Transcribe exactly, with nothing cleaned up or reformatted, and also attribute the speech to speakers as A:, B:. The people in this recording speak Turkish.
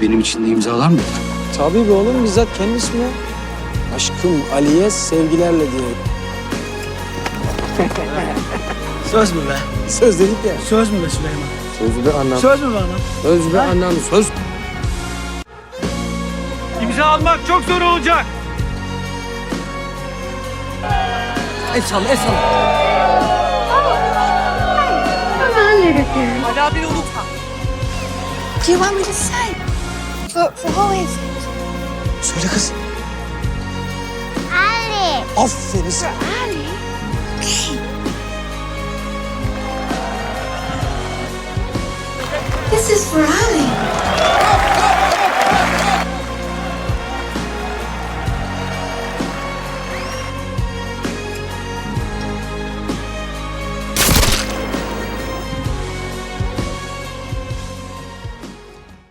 A: benim için de imzalar mıdır?
B: Tabii be oğlum, bizzat kendi ismi. Aşkım Ali'ye sevgilerle diye.
C: Söz mü be?
B: Söz dedik ya.
C: Söz mü be Süleyman?
B: Sözü de anlam.
C: Söz mü be anam?
B: Söz be anlam. Söz.
C: İmza almak çok zor olacak.
B: El salla, el salla.
D: Ali abini unutma.
E: Do you want me to say? For, for who is it?
B: Söyle kız.
E: Ali.
B: Aferin sana.
E: Ali? Okay. This is for Ali.